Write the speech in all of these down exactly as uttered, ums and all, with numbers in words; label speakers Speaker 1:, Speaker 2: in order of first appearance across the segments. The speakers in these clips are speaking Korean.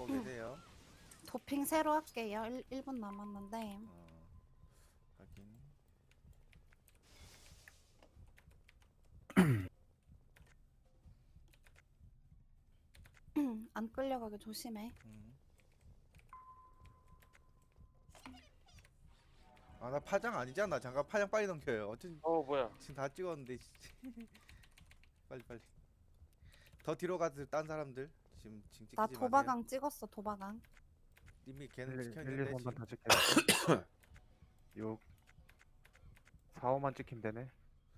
Speaker 1: 갖고 계세요.
Speaker 2: 도핑 새로 할게요. 일, 일 분 남았는데.
Speaker 1: 어, 확인.
Speaker 2: 안 끌려가게 조심해.
Speaker 1: 음. 아, 나 파장 아니잖아. 잠깐 파장 빨리 넘겨요. 어쩐
Speaker 3: 어 뭐야?
Speaker 1: 지금 다 찍었는데. 빨리 빨리. 더 뒤로 가서 딴 사람들 지금 지금 찍지
Speaker 2: 나
Speaker 1: 마세요.
Speaker 2: 도바강 찍었어, 도바강.
Speaker 1: 이미 걔는
Speaker 4: 일, 일,
Speaker 1: 찍혔는데
Speaker 4: 삼 번
Speaker 1: 지금.
Speaker 4: 다 찍혀. 육, 사, 오만 찍히면 되네.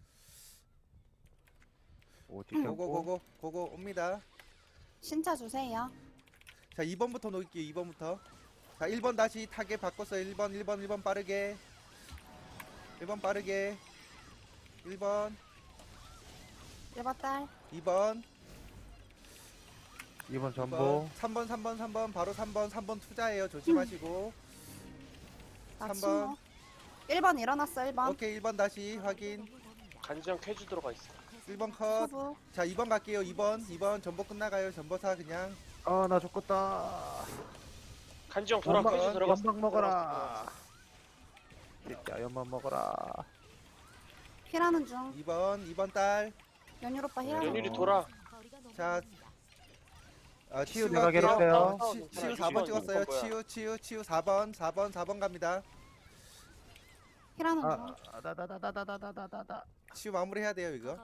Speaker 4: 오 찍혔고.
Speaker 1: 고고고고 고고 옵니다.
Speaker 2: 신차 주세요.
Speaker 1: 자, 이 번부터 놓을게요. 이 번부터. 자, 일 번 다시 타겟 바꿨어요. 일 번 일 번 일 번 빠르게. 일 번 빠르게. 일 번
Speaker 2: 일 번 딸.
Speaker 1: 이 번
Speaker 4: 이 번
Speaker 1: 이
Speaker 4: 전보.
Speaker 1: 번 삼 번 삼 번 삼 번 바로 삼 번 삼 번 투자해요. 조심하시고.
Speaker 2: 나
Speaker 1: 삼 번.
Speaker 2: 친구. 일 번 일어났어, 일 번.
Speaker 1: 오케이, 일 번 다시 확인.
Speaker 3: 간지형 쾌주 들어가 있어.
Speaker 1: 일 번 컷.
Speaker 2: 후부.
Speaker 1: 자, 이 번 갈게요. 이 번 이 번 전보 끝나가요. 전보사 그냥.
Speaker 4: 아 나 죽겠다.
Speaker 3: 간지형 돌아
Speaker 4: 연막,
Speaker 3: 쾌주 들어갔어.
Speaker 4: 연막 먹어라. 진짜 연막 먹어라.
Speaker 2: 힐하는 중.
Speaker 1: 이 번 이 번 딸.
Speaker 2: 연율 오빠 힐하는 중.
Speaker 3: 연율이 돌아.
Speaker 1: 자, 아,
Speaker 4: 치유
Speaker 1: 치유
Speaker 4: 내가
Speaker 1: 갈게요.
Speaker 4: 괴롭혀요.
Speaker 1: 치- 치유 사 번 찍었어요. 치유 치유 치유 사 번 사 번 사 번 갑니다.
Speaker 2: 힐하는 중.
Speaker 4: 아나나나나나나나나.
Speaker 1: 치유 마무리 해야 돼요, 이거.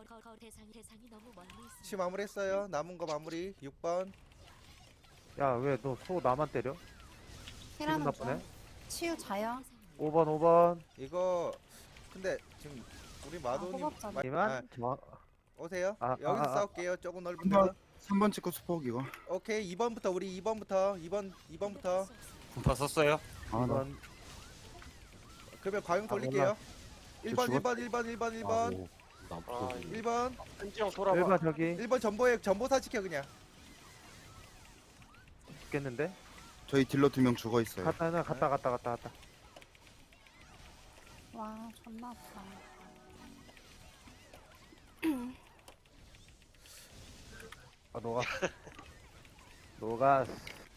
Speaker 1: 치유 마무리했어요. 남은 거 마무리. 육 번.
Speaker 4: 야왜 너 소 나만 때려? 기분
Speaker 2: 힐하는
Speaker 4: 나쁘네.
Speaker 2: 중. 치유 자요.
Speaker 4: 오 번 오 번.
Speaker 1: 이거 근데 지금 우리 마도님
Speaker 2: 호박잖아.
Speaker 1: 마- 아,
Speaker 4: 이만 저
Speaker 1: 오세요.
Speaker 4: 아,
Speaker 1: 여기서
Speaker 4: 아, 아.
Speaker 1: 싸울게요. 조금 넓은
Speaker 5: 한
Speaker 1: 데서.
Speaker 5: 번. 삼 번 찍고 수폭 이거.
Speaker 1: 오케이. 이 번부터 우리 이 번부터 이 번 이 번부터
Speaker 6: 분파 썼어요?
Speaker 5: 아, 나
Speaker 4: 이번
Speaker 1: 그러면 과용
Speaker 4: 아,
Speaker 1: 돌릴게요. 일 번
Speaker 5: 저
Speaker 1: 일 번 일 번 일 번 일 번
Speaker 3: 아,
Speaker 1: 일 번
Speaker 3: 간지형
Speaker 4: 일
Speaker 3: 돌아봐.
Speaker 4: 번 저기
Speaker 1: 일 번 전보에 전보사 지켜 그냥.
Speaker 4: 죽겠는데?
Speaker 5: 저희 딜러 두 명 죽어 있어요.
Speaker 4: 갔다 나 갔다 갔다 갔다 갔다.
Speaker 2: 와, 존나 아프다.
Speaker 4: 아 녹아. 녹아.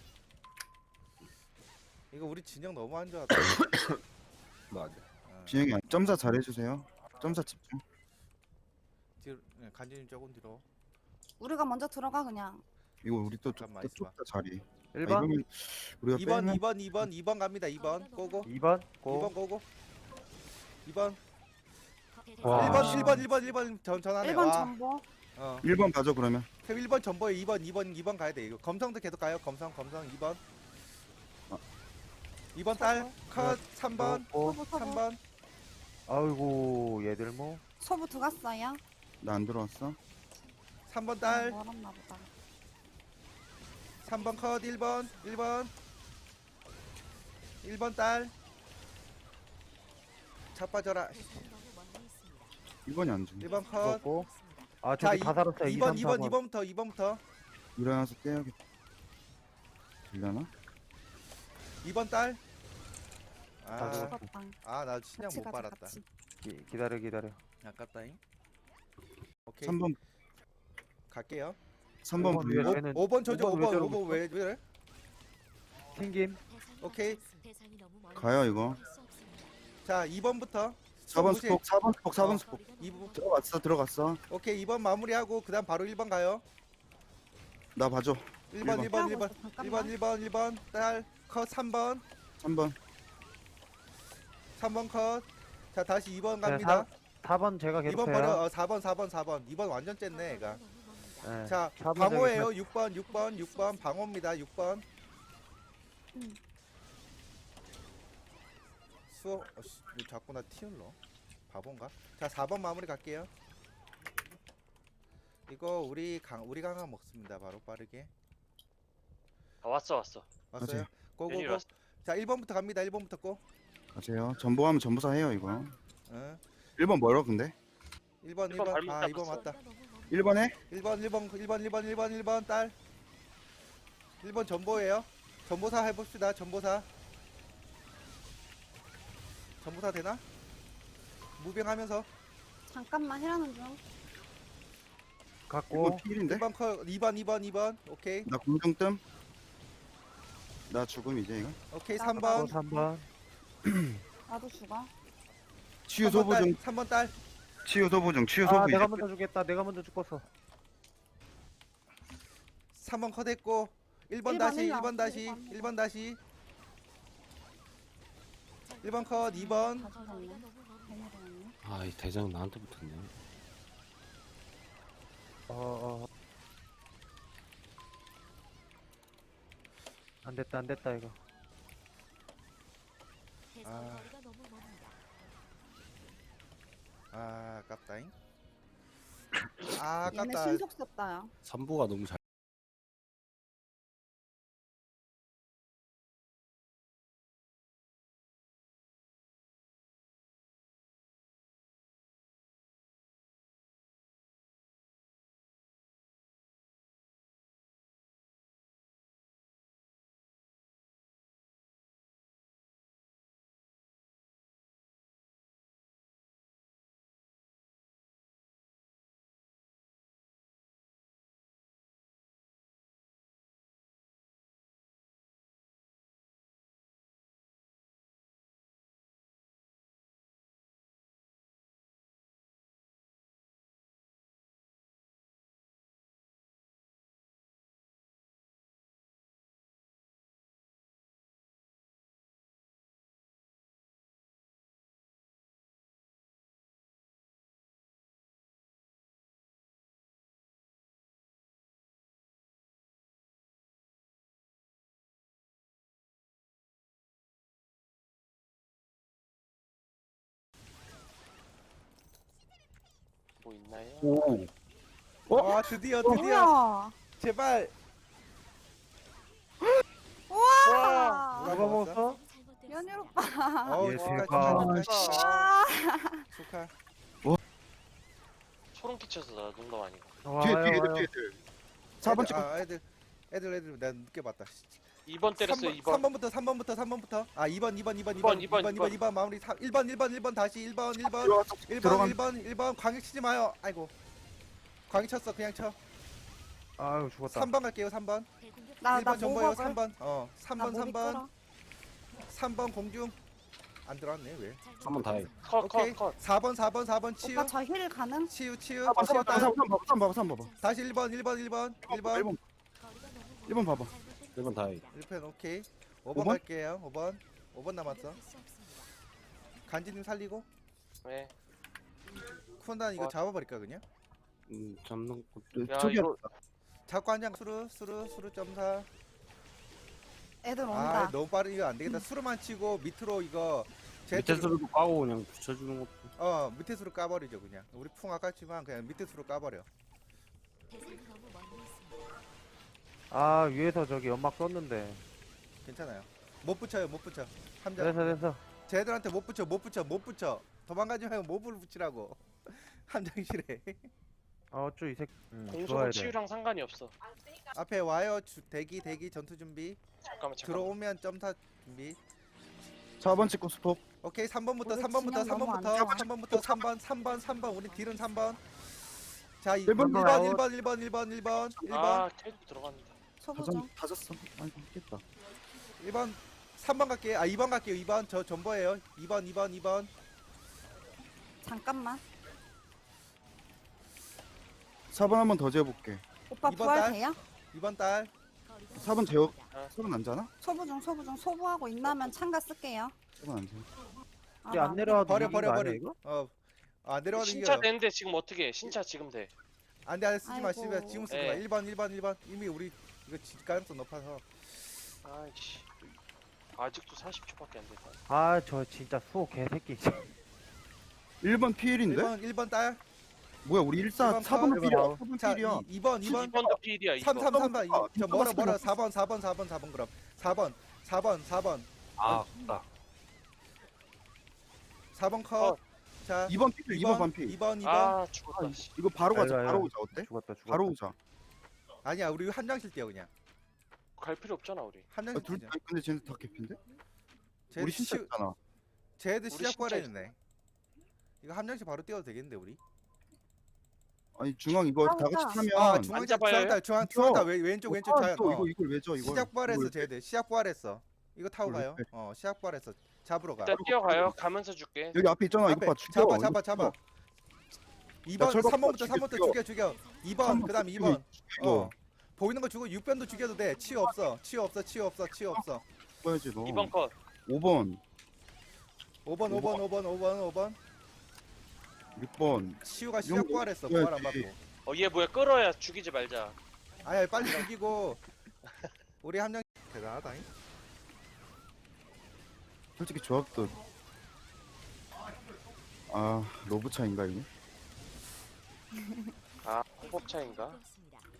Speaker 1: 이거 우리 진영 너무 안 좋았다.
Speaker 6: 맞아.
Speaker 1: 아,
Speaker 5: 진영이 안- 점사 잘해주세요. 점사 집중.
Speaker 1: 뒤로 네, 간지님 조금 뒤로.
Speaker 2: 우리가 먼저 들어가 그냥.
Speaker 5: 이거 우리 또
Speaker 1: 잠깐만
Speaker 5: 또
Speaker 1: 있어봐.
Speaker 5: 좁다 자리. 아,
Speaker 4: 일 번
Speaker 5: 이러면 우리가
Speaker 1: 이 번
Speaker 5: 빼면
Speaker 1: 이 번 이 번 이 번 갑니다. 이 번 고고.
Speaker 4: 이 번
Speaker 1: 이 번
Speaker 4: 고.
Speaker 1: 고고. 이 번
Speaker 4: 와.
Speaker 1: 일 번 일 번 일 번 일 번 전 전하네.
Speaker 2: 일 번
Speaker 1: 와.
Speaker 2: 전보.
Speaker 1: 어.
Speaker 5: 일 번 가죠 그러면.
Speaker 1: 그럼 일 번 전보에 이 번 이 번 이 번 가야 돼. 이거 검성도 계속 가요. 검성 검성 이 번.
Speaker 5: 아.
Speaker 1: 이 번 딸 컷 삼 번
Speaker 4: 고.
Speaker 2: 소부,
Speaker 1: 삼
Speaker 2: 소부.
Speaker 1: 번
Speaker 4: 아이고 얘들 뭐.
Speaker 2: 소부 들어갔어요.
Speaker 5: 나 안 들어왔어.
Speaker 1: 삼 번 딸
Speaker 2: 멀었나 보다.
Speaker 1: 삼 번 컷 일 번 일 번 일 번 딸 자빠져라.
Speaker 5: 일 번이 안 죽네.
Speaker 1: 일 번 컷.
Speaker 4: 죽었고. 아
Speaker 1: 자,
Speaker 4: 저기 다 살았어요.
Speaker 1: 이
Speaker 4: 이,
Speaker 1: 번
Speaker 4: 삼,
Speaker 1: 이
Speaker 4: 사
Speaker 1: 번
Speaker 4: 번.
Speaker 1: 이 번부터 이 번부터
Speaker 5: 일어나서 떼야겠다. 들려나?
Speaker 1: 이 번 딸.
Speaker 4: 다
Speaker 1: 아,
Speaker 4: 죽었어.
Speaker 2: 죽었다.
Speaker 1: 아, 나 신경
Speaker 2: 같이
Speaker 1: 못
Speaker 2: 가자,
Speaker 1: 빨았다.
Speaker 2: 같이.
Speaker 4: 기, 기다려 기다려.
Speaker 1: 아깝다잉. 오케이.
Speaker 5: 삼 번
Speaker 1: 갈게요.
Speaker 5: 삼 번
Speaker 4: 오 번
Speaker 5: 불려.
Speaker 4: 위에 쟤는
Speaker 1: 오 번 저죠.
Speaker 4: 오
Speaker 1: 오
Speaker 4: 번 왜
Speaker 1: 번 오
Speaker 4: 저러고
Speaker 1: 번 왜 왜?
Speaker 4: 튕김.
Speaker 1: 오케이.
Speaker 5: 가요 이거.
Speaker 1: 자, 이 번부터
Speaker 5: 사 번 스폭 사 번 스폭 사 번 스폭.
Speaker 1: 이 번
Speaker 5: 들어갔어 들어갔어.
Speaker 1: 오케이. 이 번 마무리하고 그다음 바로 일 번 가요.
Speaker 5: 나 봐줘.
Speaker 1: 일 번 일 번 일 번
Speaker 2: 잠깐만.
Speaker 1: 일 번 일 번 일 번 딸 컷 삼 번
Speaker 5: 삼 번.
Speaker 1: 삼 번 컷. 자, 다시 이 번
Speaker 4: 네,
Speaker 1: 갑니다.
Speaker 4: 사 번 제가
Speaker 1: 이 번
Speaker 4: 계속해요.
Speaker 1: 버려. 어, 사 번 사 번 사 번. 이 번 완전 쨌네, 얘가.
Speaker 4: 네.
Speaker 1: 자,
Speaker 4: 사 번
Speaker 1: 방어예요. 육 번 육 번 육 번 방어입니다. 육 번.
Speaker 2: 음.
Speaker 1: 수어 어, 씨, 왜 자꾸 나 티울러? 바본가? 자, 사 번 마무리 갈게요. 이거 우리 강 우리 강화 먹습니다. 바로 빠르게.
Speaker 3: 아 왔어 왔어.
Speaker 1: 왔어요?
Speaker 5: 맞아요.
Speaker 3: 연율이
Speaker 1: 고고고.
Speaker 3: 왔어.
Speaker 1: 자, 일 번부터 갑니다. 일 번부터 고.
Speaker 5: 가세요. 전보하면 전보사 해요 이거.
Speaker 1: 응.
Speaker 5: 일 번 멀어 근데.
Speaker 1: 일 번
Speaker 3: 일
Speaker 1: 일
Speaker 3: 번
Speaker 1: 번.
Speaker 3: 발목
Speaker 1: 아, 이 번
Speaker 3: 잡았어.
Speaker 1: 맞다.
Speaker 5: 일 번에
Speaker 1: 일 번 일 번 일 번 일 번 일 번 일 번 딸. 일 번 전보예요. 전보사 해 봅시다. 전보사. 전보사 되나? 무빙하면서
Speaker 2: 잠깐만 힐하는 중.
Speaker 5: 일
Speaker 4: 갖고
Speaker 5: 번 필인데.
Speaker 1: 일 번 컷 이 번 이 번 이 번. 오케이.
Speaker 5: 나 공정뜸. 나 죽음 이제 이거.
Speaker 1: 오케이
Speaker 2: 나-
Speaker 1: 삼
Speaker 4: 어,
Speaker 1: 번
Speaker 4: 삼 번.
Speaker 2: 나도 죽어.
Speaker 5: 치유 소부 중.
Speaker 1: 삼 번 딸
Speaker 5: 치유 소부 중. 치유
Speaker 4: 아,
Speaker 5: 소부 이제.
Speaker 4: 내가 먼저 죽겠다. 내가 먼저 죽었어.
Speaker 1: 삼 번 컷했고 일 번
Speaker 2: 일 번,
Speaker 1: 다시
Speaker 2: 일
Speaker 1: 일
Speaker 2: 번,
Speaker 1: 번 다시
Speaker 2: 일 번.
Speaker 1: 일 번 다시 일 번 컷 이 번
Speaker 2: 다 죽었네. 괜히 죽었네.
Speaker 6: 아, 이 대장 나한테 붙었네.
Speaker 4: 어, 어. 안 됐다, 안 됐다, 이거.
Speaker 1: 아. 아 아깝다잉 아
Speaker 2: 얘네
Speaker 1: 아깝다
Speaker 2: 신속 썼다. 야.
Speaker 6: 삼부가 너무 잘.
Speaker 3: 뭐 있나요?
Speaker 5: 오.
Speaker 1: 와 드디어 드디어
Speaker 2: 뭐야?
Speaker 1: 제발
Speaker 2: 우와!
Speaker 1: 누가
Speaker 4: 누가
Speaker 1: 먹었어?
Speaker 4: 먹었어?
Speaker 2: 연율 오빠.
Speaker 1: 어우
Speaker 4: 예,
Speaker 1: 축하
Speaker 4: 대박.
Speaker 1: 축하 축하
Speaker 2: 와.
Speaker 1: 축하
Speaker 3: 소름 끼쳐서 나 농담 아니고.
Speaker 4: 와,
Speaker 5: 뒤에
Speaker 4: 와요,
Speaker 5: 뒤에
Speaker 4: 와요.
Speaker 5: 뒤에 뒤에. 사 번
Speaker 1: 애들,
Speaker 5: 찍어.
Speaker 1: 아 애들 애들 애들 내가 늦게 봤다
Speaker 3: 이 번 때렸어. 이 번.
Speaker 1: 삼 번부터 삼 번부터 삼 번부터 아 이 번 이 번 이 번 이
Speaker 3: 이 번,
Speaker 1: 번
Speaker 3: 이
Speaker 1: 이
Speaker 3: 번,
Speaker 1: 번 이 번 이 번 마무리 일 번 일 번 일 번 다시 일 번 일 번
Speaker 5: 들어갔어.
Speaker 1: 일 번
Speaker 5: 들어간.
Speaker 1: 일 번 일 번 광역 치지 마요 아이고 광역 쳤어 그냥 쳐
Speaker 4: 아유, 죽었다.
Speaker 1: 삼 번 갈게요 삼 번
Speaker 2: 나,
Speaker 1: 일
Speaker 2: 나
Speaker 1: 번 전보요
Speaker 2: 모박을.
Speaker 1: 삼 번 어 삼 번
Speaker 2: 나
Speaker 1: 삼
Speaker 2: 모비
Speaker 1: 번
Speaker 2: 끌어.
Speaker 1: 삼 번 공중 안 들어왔네 왜
Speaker 6: 한번 다 해.
Speaker 3: 컷,
Speaker 1: 오케이
Speaker 3: 컷, 컷.
Speaker 1: 사 번 사 번 사 번 치유
Speaker 2: 오빠 저 힐 가능?
Speaker 1: 치유 치유
Speaker 5: 삼 번
Speaker 1: 치유
Speaker 5: 삼 번 삼 번 삼 번 삼 번 봐봐.
Speaker 1: 다시 일 번 일 번 일 번 일 번
Speaker 5: 일 번 일 번 봐봐.
Speaker 6: 일 번 다 해.
Speaker 1: 일 편 오케이 오
Speaker 5: 오
Speaker 1: 번
Speaker 5: 번?
Speaker 1: 갈게요 오 번 오 번 남았어 간지님 살리고
Speaker 3: 네.
Speaker 1: 쿤단 이거
Speaker 3: 어.
Speaker 1: 잡아버릴까 그냥
Speaker 6: 음, 잡는 것도.
Speaker 3: 야,
Speaker 5: 저기
Speaker 3: 이거
Speaker 1: 잡고 한장 수루 수루 수루 점사
Speaker 2: 애들
Speaker 1: 아
Speaker 2: 온다.
Speaker 1: 너무 빠르 이거 안 되겠다 수루만 치고 밑으로 이거 제
Speaker 6: 밑에 수로도 까고 그냥 붙여주는 것도.
Speaker 1: 어 밑에 수로 까버리죠 그냥 우리 풍 아깝지만 그냥 밑에 수로 까버려
Speaker 4: 아, 위에서 저기 연막 썼는데.
Speaker 1: 괜찮아요 못 붙여요 못 붙여 함장
Speaker 4: 됐어, 됐어.
Speaker 1: 쟤들한테 못 붙여 못 붙여 못 붙여 도망가지 말고 몹을 붙이라고 함장실에
Speaker 4: 아, 어쭈, 이 새끼. 응,
Speaker 3: 공속은
Speaker 4: 죽어야 돼.
Speaker 3: 치유랑 상관이 없어.
Speaker 1: 앞에 와요 주, 대기 대기 전투 준비
Speaker 3: 잠깐만, 잠깐만.
Speaker 1: 들어오면 점사 준비
Speaker 5: 사 번 찍고 스톱.
Speaker 1: 오케이 삼 번부터
Speaker 2: 우리
Speaker 1: 삼 번부터
Speaker 2: 진영
Speaker 1: 삼
Speaker 2: 너무 안
Speaker 1: 번부터
Speaker 2: 좋아.
Speaker 1: 삼 번부터 삼 번 삼 번 삼 번 우리 딜은 삼 번 자 일
Speaker 5: 일
Speaker 1: 번
Speaker 5: 번
Speaker 1: 일 번
Speaker 4: 아웃.
Speaker 1: 일 번 일 번 일 번 일 번 일 번
Speaker 3: 아, 캐릭 들어갑니다.
Speaker 2: 소부
Speaker 5: 다졌
Speaker 2: 중.
Speaker 5: 다졌어. 아이고 했겠다.
Speaker 1: 일 번 삼 번 갈게요 아 이 번 갈게요 이 번 저 전보예요 이 번 이 번 이 번
Speaker 2: 잠깐만.
Speaker 5: 사 번 한 번 더 재볼게.
Speaker 2: 오빠
Speaker 1: 이번
Speaker 2: 부활
Speaker 1: 달?
Speaker 2: 돼요?
Speaker 1: 이 번 딸
Speaker 5: 사 번 재워. 사 번 안 자나?
Speaker 2: 소부 중 소부 중 소부하고 있나면 참가 쓸게요.
Speaker 5: 사 번 안 재.
Speaker 2: 아,
Speaker 4: 이게
Speaker 2: 나
Speaker 4: 안 내려와도
Speaker 1: 버려
Speaker 4: 이긴
Speaker 1: 버려
Speaker 4: 거
Speaker 1: 버려
Speaker 4: 아니야, 이거?
Speaker 1: 어아 내려가는
Speaker 3: 신차
Speaker 1: 이겨
Speaker 3: 되는데 지금 어떻게 해? 신차 지금 돼.
Speaker 1: 안돼 안돼 쓰지 마 쓰지 마
Speaker 2: 아이고.
Speaker 1: 지금 쓰지
Speaker 3: 예.
Speaker 1: 마 일 번 일 번 일 번 이미 우리 이거 질 가능성 높아서
Speaker 3: 아이씨. 아직도 사십 초밖에 안 됐다.
Speaker 4: 아, 저 진짜 수호 개새끼.
Speaker 5: 일 번 피일인데?
Speaker 1: 일 번 일 번 딸
Speaker 5: 뭐야 우리 일사
Speaker 1: 일 번
Speaker 5: 사 번
Speaker 1: 컷.
Speaker 5: 필이야.
Speaker 4: 일
Speaker 5: 사 번
Speaker 1: 자
Speaker 5: 필이야.
Speaker 1: 이 번 이 번
Speaker 3: 이 번도 필이야,
Speaker 1: 삼
Speaker 3: 이거.
Speaker 1: 삼 삼 번
Speaker 5: 아,
Speaker 1: 저 뭐라
Speaker 5: 삼 번
Speaker 1: 뭐라 사 번 사 번 사 번 사 번 그럼 사 번 사 번 사 번
Speaker 6: 아, 나.
Speaker 1: 사 번
Speaker 3: 어.
Speaker 1: 컷자
Speaker 5: 이 번 필, 이 번 반 필.
Speaker 1: 이 번 이 번
Speaker 3: 아, 죽었다. 씨.
Speaker 5: 이거 바로 가자.
Speaker 4: 알려,
Speaker 5: 바로
Speaker 4: 알려.
Speaker 5: 오자. 어때?
Speaker 4: 죽었다, 죽었다.
Speaker 5: 바로 오자.
Speaker 1: 아니야 우리 함장실 뛰어 그냥
Speaker 3: 갈 필요 없잖아, 우리.
Speaker 5: 아,
Speaker 1: 함장실
Speaker 5: 둘,
Speaker 1: 뛰자
Speaker 5: 아니, 근데 쟤네 다 개핀데?
Speaker 1: 쟤
Speaker 5: 우리 신차
Speaker 1: 시-
Speaker 5: 있잖아.
Speaker 1: 쟤들
Speaker 3: 우리
Speaker 1: 시작
Speaker 3: 진짜
Speaker 1: 거래했네 이거 함장실 바로 뛰어도 되겠는데 우리
Speaker 5: 아니 중앙 이거 다
Speaker 2: 중앙이다.
Speaker 5: 같이 타면
Speaker 1: 아 중앙
Speaker 3: 잡아요?
Speaker 1: 중앙 중앙
Speaker 5: 그쵸?
Speaker 1: 중앙 왼 왼쪽 왼쪽
Speaker 5: 아,
Speaker 1: 자
Speaker 5: 또
Speaker 1: 어.
Speaker 5: 이거 이걸 왜 줘 이거
Speaker 1: 시작 부활했어 쟤들 시작 부활했어 이거 타고
Speaker 5: 이걸
Speaker 1: 가요
Speaker 5: 왜
Speaker 1: 어 시작 부활했어 잡으러 가
Speaker 3: 일단 뛰어가요. 가면서 줄게.
Speaker 5: 여기 앞에 있잖아
Speaker 1: 앞에
Speaker 5: 이거 봐 죽여
Speaker 1: 잡아
Speaker 5: 이거
Speaker 1: 잡아 잡아 이 번
Speaker 5: 철거
Speaker 1: 삼 번부터
Speaker 5: 죽여,
Speaker 1: 삼 번부터
Speaker 5: 죽여.
Speaker 1: 죽여 죽여 이 번 그다음 이 번
Speaker 5: 이거
Speaker 1: 어 보이는 거 주고 육 번도 죽여도 돼 치유 없어 치유 없어 치유 없어 치유 없어
Speaker 5: 죽어야지 너
Speaker 3: 이 번 컷.
Speaker 5: 오 번
Speaker 1: 오 번 오 번 오 번 오 번 오 번
Speaker 5: 육 번
Speaker 1: 치유가
Speaker 5: 이
Speaker 1: 시작
Speaker 5: 정도
Speaker 1: 부활했어 부활 안
Speaker 5: 죽여야지.
Speaker 1: 받고
Speaker 3: 어 얘 뭐야 끌어야 죽이지 말자.
Speaker 1: 아야 빨리 죽이고 우리 한 명 대단하다잉
Speaker 5: 솔직히 조합도 아 로브 차인가 이거?
Speaker 3: 아 홍법 차인가?